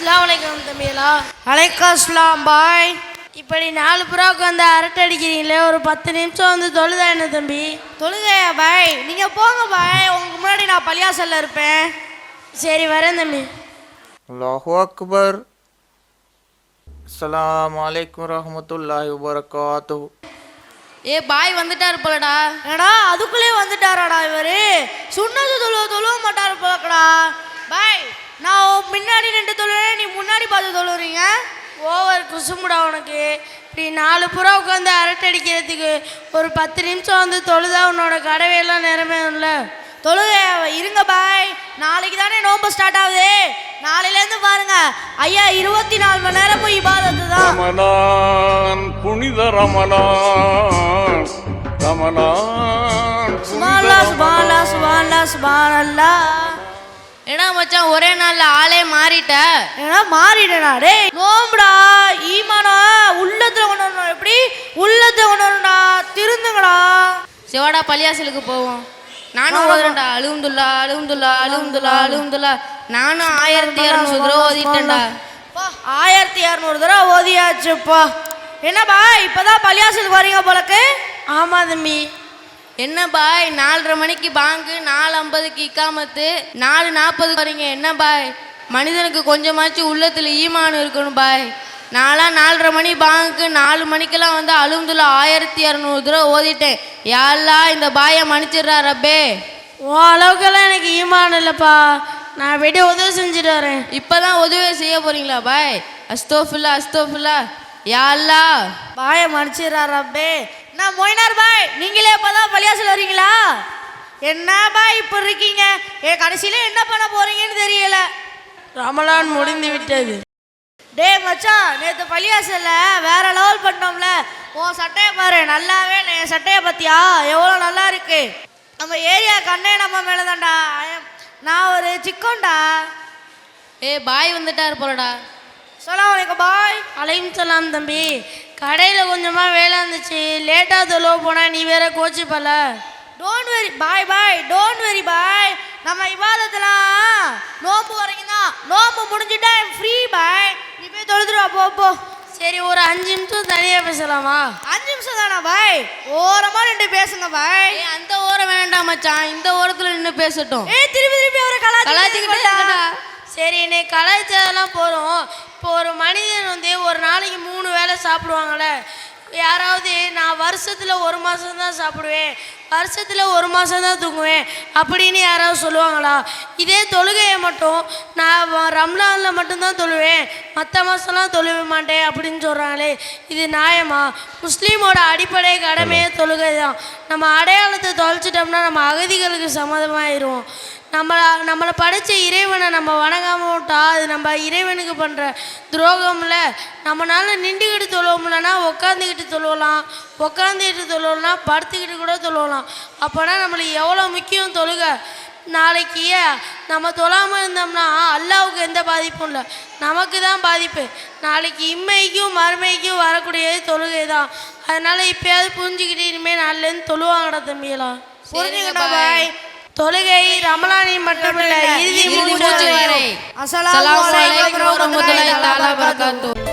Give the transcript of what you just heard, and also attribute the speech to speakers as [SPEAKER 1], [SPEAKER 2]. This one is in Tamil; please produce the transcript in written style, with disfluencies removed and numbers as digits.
[SPEAKER 1] அஸ்ஸலாமு அலைக்கும் தம்பிகளா.
[SPEAKER 2] அலைக்கும் அஸ்ஸலாம் பாய்.
[SPEAKER 1] இப்படி 4 புறாவுக்கு வந்து அரட்டை அடிக்கிறீங்களே, ஒரு 10 நிமிஷம் வந்து தொழுதா என்ன தம்பி?
[SPEAKER 2] தொழுகையா பாய்? நீங்கள் போங்க பாய், உங்களுக்கு முன்னாடி நான் பள்ளியாசல்ல இருப்பேன்.
[SPEAKER 1] சரி வரேன் தம்பி.
[SPEAKER 3] அல்லாஹு அக்பர். அஸ்ஸலாமு அலைக்கும் ரஹ்மத்துல்லாஹி வபரகாத்துஹு.
[SPEAKER 2] பாய் வந்துட்டாரு போலடா. ஏடா அதுக்குள்ளே வந்துட்டாராடா இவரு? சுன்னத்து தொழுவ மாட்டாரு போலக்கடா. பாய் நான் முன்னாடி நின்று தொழுறேன், நீ முன்னாடி பார்த்து தொழுறீங்க.
[SPEAKER 1] ஓவர் குசுமுடா உனக்கு. இப்படி 4 புறா உட்காந்து அரட்டை அடிக்கிறதுக்கு ஒரு 10 நிமிஷம் வந்து தொழுதா உன்னோட கடவையெல்லாம் நிறமையும்ல.
[SPEAKER 2] தொழுகை இருங்க பாய், நாளைக்கு தானே நோம்பு ஸ்டார்ட் ஆகுது. நாளையிலேருந்து பாருங்க ஐயா 24 மணி நேரமும் இபாதத்து தான்.
[SPEAKER 4] ரமலான் புனித ரமலான், ரமலான்
[SPEAKER 2] சுப்ஹானல்லாஹ் சுப்ஹானல்லாஹ் சுப்ஹானல்லாஹ் சுப்ஹானல்லாஹ்.
[SPEAKER 5] ஏன்னா மச்சான் ஒரே நாள்ல ஆளே மாறிட்ட.
[SPEAKER 2] ஏன்னா மாறிடா டேய். நோம்புடா ஈமானா உள்ளத்துல கொண்டு வரணும். எப்படி உள்ளத்தை கொண்டு வரணும்டா? திருந்துங்கடா.
[SPEAKER 5] சிவாடா பள்ளியாசலுக்கு போவோம். நானும் ஓதுறேன்டா. அலுஹம்துல்லா அலுஹம்துல்லா அலுஹம்துல்லா அலுஹம்துல்லா. நானும் 1200 தடவை ஓதிட்டேன்டா.
[SPEAKER 2] 1200 தடவை ஓதியாச்சுப்பா. என்ன பாய் இப்பதான் பள்ளியாசலுக்கு வரீங்க போலக்கு?
[SPEAKER 1] ஆமா தம்பி.
[SPEAKER 5] என்ன பாய் 4:30 மணிக்கு பாங்கு, 4:50க்கு இக்காமத்து, 4:40 வரீங்க. என்ன பாய் மனிதனுக்கு கொஞ்சமாச்சும் உள்ளத்துல ஈமான் இருக்கணும் பாய். நான்லாம் 4:30 மணி பாங்குக்கு 4 மணிக்கெல்லாம் வந்து அலுஹம்துல்லா 1200 தடவை ஓதிட்டேன். யா அல்லாஹ் இந்த பாயை மன்னிச்சிடுறா ரப்பே.
[SPEAKER 1] உன் அளவுக்கெல்லாம் எனக்கு ஈமான் இல்லைப்பா. நான் போய்ட்டு உதவி செஞ்சுட்டு வரேன்.
[SPEAKER 5] இப்பதான் உதவி செய்ய போறீங்களா பாய்? அஸ்தோஃபில்லா அஸ்தோஃபில்லா. யா அல்லாஹ்
[SPEAKER 2] பாய மன்னிச்சிடுறா ரப்பே. நான் மொய்னார் பாய், நீங்களே இப்பதான் பள்ளியாசல் வரீங்களா? என்ன பாய் இப்ப இருக்கீங்க? கடைசியில என்ன பண்ண போறீங்கன்னு தெரியல.
[SPEAKER 1] ரமலான் முடிந்து விட்டது.
[SPEAKER 2] டே மச்சான், நேற்று பள்ளியாசல்ல வேற லெவல் பண்ணோம்ல. உன் சட்டையை பாரு, நல்லாவே என் சட்டையை பத்தியா எவ்வளோ நல்லா இருக்கு. நம்ம ஏரியா கண்ணே நம்ம மேலதான்டா. நான் ஒரு சிக்கோண்டா.
[SPEAKER 5] பாய் வந்துட்டாரு போலடா.
[SPEAKER 2] அஸ்ஸலாமு அலைக்கும் பாய்.
[SPEAKER 1] அலைக்கும் சலாம் தம்பி. கடையில் கொஞ்சமாக வேலை இருந்துச்சு, லேட்டாக தொழுவ போனால் நீ வேற கோச்சிப்பல.
[SPEAKER 2] டோன்ட் வெரி பாய் பாய், டோன்ட் வெரி பாய். நம்ம இபாதத்தெல்லாம் நோம்பு வரைக்கும் தான். நோம்பு முடிஞ்சுட்டா ஃப்ரீ பாய். நீ போய் தொழுதுருவா போ போ.
[SPEAKER 1] சரி ஒரு 5 நிமிஷம் தனியாக பேசலாமா?
[SPEAKER 2] 5 நிமிஷம் தானா பாய்? ஓரமாக நின்று பேசுங்க பாய்.
[SPEAKER 5] அந்த ஓரம் வேண்டாம் மச்சான், இந்த ஓரத்தில் நின்று பேசட்டும்.
[SPEAKER 2] திருப்பி திருப்பி அவரை
[SPEAKER 5] கலாச்சிக்கிட்டா.
[SPEAKER 1] சரி இன்னைக்கு கலாச்சாரம்லாம் போகிறோம். இப்போ ஒரு மனிதன் வந்து ஒரு நாளைக்கு 3 வேளை சாப்பிடுவாங்களே. யாராவது நான் வருஷத்தில் 1 மாதம் தான் சாப்பிடுவேன், வருஷத்தில் 1 மாதம் தான் தூங்குவேன் அப்படின்னு யாராவது சொல்லுவாங்களா? இதே தொழுகையை மட்டும் நான் ரம்லானில் மட்டும்தான் தொழுவேன், மற்ற மாதம்லாம் தொழுவ மாட்டேன் அப்படின்னு சொல்கிறாங்களே, இது நியாயமா? முஸ்லீமோட அடிப்படை கடமையே தொழுகை தான். நம்ம அடையாளத்தை தொலைச்சிட்டோம்னா நம்ம அகதிகளுக்கு சம்மதமாயிடுவோம். நம்மளை படைச்ச இறைவனை நம்ம வணங்காமல் விட்டா அது நம்ம இறைவனுக்கு பண்ணுற துரோகம்ல. நம்மளால நின்றுக்கிட்டு தொழுவோம்லன்னா உட்காந்துக்கிட்டு தொழுவலாம், உட்காந்துக்கிட்டு தொழுவலாம், படுத்துக்கிட்டு கூட தொழுவலாம். அப்போனா நம்மளுக்கு எவ்வளோ முக்கியம் தொழுக. நாளைக்கு நம்ம தொழாமல் இருந்தோம்னா அல்லாவுக்கு எந்த பாதிப்பும் இல்லை, நமக்கு தான் பாதிப்பு. நாளைக்கு இம்மைக்கும் மறுமைக்கும் வரக்கூடியது தொழுகை தான். அதனால் இப்போயாவது புரிஞ்சுக்கிட்டு இனிமேல் நாளிலேருந்து தொழுவாங்கடா தம்பியெல்லாம்.
[SPEAKER 2] புரிஞ்சுக்கிட்டா பாய்.
[SPEAKER 1] தொழுகை ரமலானில் மட்டுமில்லை, இறுதி மூச்சு வரை.
[SPEAKER 2] அஸ்ஸலாமு அலைக்கும்
[SPEAKER 5] வரஹ்மத்துல்லாஹி தஆலா வபரகாத்துஹு.